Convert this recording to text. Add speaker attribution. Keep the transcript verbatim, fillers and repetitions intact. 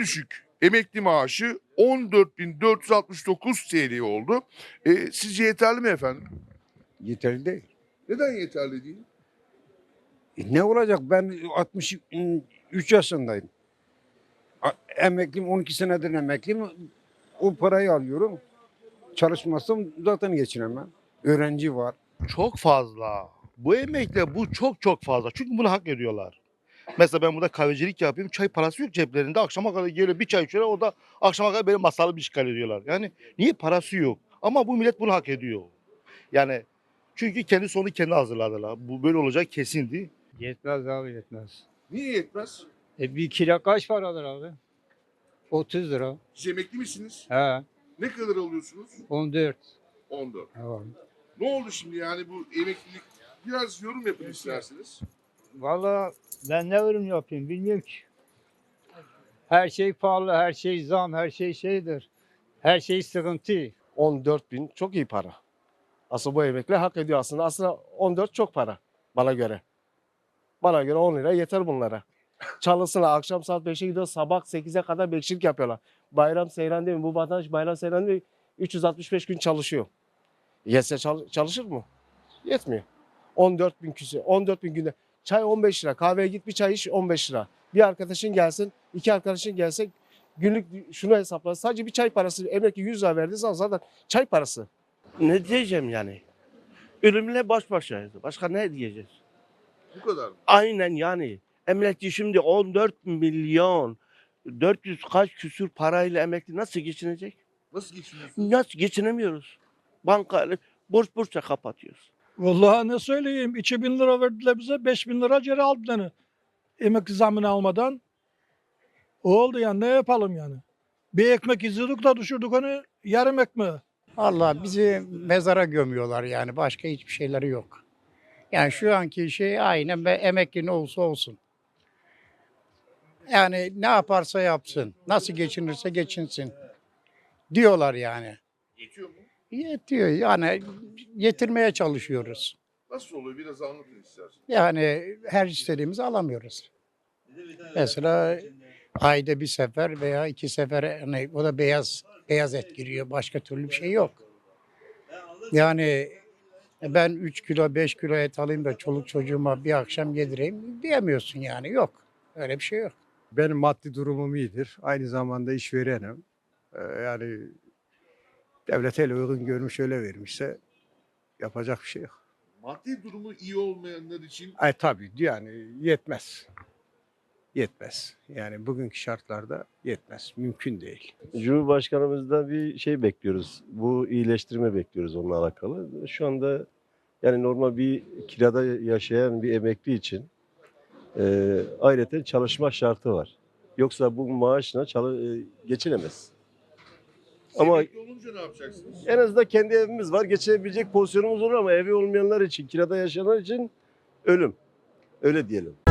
Speaker 1: düşük emekli maaşı on dört bin dört yüz altmış dokuz T L oldu. E, sizce yeterli mi efendim?
Speaker 2: Yeterli değil.
Speaker 1: Neden yeterli değil?
Speaker 2: E ne olacak? Ben altmış üç yaşındayım. A- Emekliyim, on iki senedir emekliyim. O parayı alıyorum. Çalışmazsam zaten geçinemem. Öğrenci var.
Speaker 3: Çok fazla. Bu emekle bu çok çok fazla. Çünkü bunu hak ediyorlar. Mesela ben burada kahvecilik yapıyorum. Çay parası yok ceplerinde. Akşama kadar geliyor bir çay içiyorlar. O da akşama kadar benim masalı bir işgal ediyorlar. Yani niye parası yok? Ama bu millet bunu hak ediyor. Yani çünkü kendi sonu kendi hazırladılar. Bu böyle olacak kesindi.
Speaker 4: Yetmez abi yetmez.
Speaker 1: Niye yetmez?
Speaker 4: E bir kilo kaç paradır abi? otuz lira.
Speaker 1: Siz emekli misiniz?
Speaker 4: He
Speaker 1: Ne kadar alıyorsunuz?
Speaker 4: on dört.
Speaker 1: on dört.
Speaker 4: Tamam.
Speaker 1: Ne oldu şimdi yani bu emeklilik? Biraz yorum yapın isterseniz.
Speaker 4: Valla ben ne yorum yapayım bilmiyorum ki. Her şey pahalı, her şey zam, her şey şeydir. Her şey sıkıntı.
Speaker 5: on dört bin çok iyi para. Aslında bu emekli hak ediyor aslında. Aslında on dört çok para bana göre. Bana göre on lira yeter bunlara. Çalışsınlar akşam saat beşe gidiyor sabah sekize kadar bekçilik yapıyorlar. Bayram seyran değil mi? Bu vatandaş bayram seyran değil mi? üç yüz altmış beş gün çalışıyor. Yetse çal- çalışır mı? Yetmiyor. on dört bin küsür. on dört bin günde. Çay on beş lira. Kahveye git bir çay iç on beş lira. Bir arkadaşın gelsin, iki arkadaşın gelse günlük şunu hesapla. Sadece bir çay parası emekli yüz lira verdiği zaman zaten çay parası.
Speaker 6: Ne diyeceğim yani? Ölümle baş başayız. Başka ne diyeceğiz?
Speaker 1: Bu kadar mı?
Speaker 6: Aynen yani. Emekli şimdi on dört milyon dört yüz kaç küsür parayla emekli nasıl geçinecek?
Speaker 1: Nasıl geçiniyorsunuz?
Speaker 6: Nasıl geçinemiyoruz? Banka borç borçla kapatıyoruz.
Speaker 7: Vallahi ne söyleyeyim, iki bin lira verdiler bize, beş bin lira geri aldılar. Yani. Emekli zammını almadan. O oldu yani, ne yapalım yani. Bir ekmek izledik da düşürdük onu yarım ekmeğe.
Speaker 8: Allah bizi mezara gömüyorlar yani başka hiçbir şeyleri yok. Yani şu anki şey aynen be, emekli ne olsa olsun. Yani ne yaparsa yapsın, nasıl geçinirse geçinsin diyorlar yani.
Speaker 1: Yetiyor mu?
Speaker 8: Yetiyor yani yetirmeye çalışıyoruz.
Speaker 1: Nasıl oluyor? Biraz anlatın isterseniz.
Speaker 8: Yani her istediğimizi alamıyoruz. Mesela ayda bir sefer veya iki sefer hani o da beyaz beyaz et giriyor. Başka türlü bir şey yok. Yani ben üç kilo beş kilo et alayım da çoluk çocuğuma bir akşam yedireyim diyemiyorsun yani yok. Öyle bir şey yok.
Speaker 2: Benim maddi durumum iyidir. Aynı zamanda işverenim. Ee, yani devlet el uygun görmüş öyle vermişse yapacak bir şey yok.
Speaker 1: Maddi durumu iyi olmayanlar için
Speaker 2: Ay tabii yani yetmez. Yetmez. Yani bugünkü şartlarda yetmez. Mümkün değil.
Speaker 9: Cumhurbaşkanımızdan bir şey bekliyoruz. Bu iyileştirme bekliyoruz onunla alakalı. Şu anda yani normal bir kirada yaşayan bir emekli için e, ayrıca çalışma şartı var. Yoksa bu maaşla çalı, e, geçinemez. Ama
Speaker 1: emekli olunca ne yapacaksınız?
Speaker 9: en azından kendi evimiz var. Geçinebilecek pozisyonumuz olur ama evi olmayanlar için, kirada yaşayanlar için ölüm. Öyle diyelim.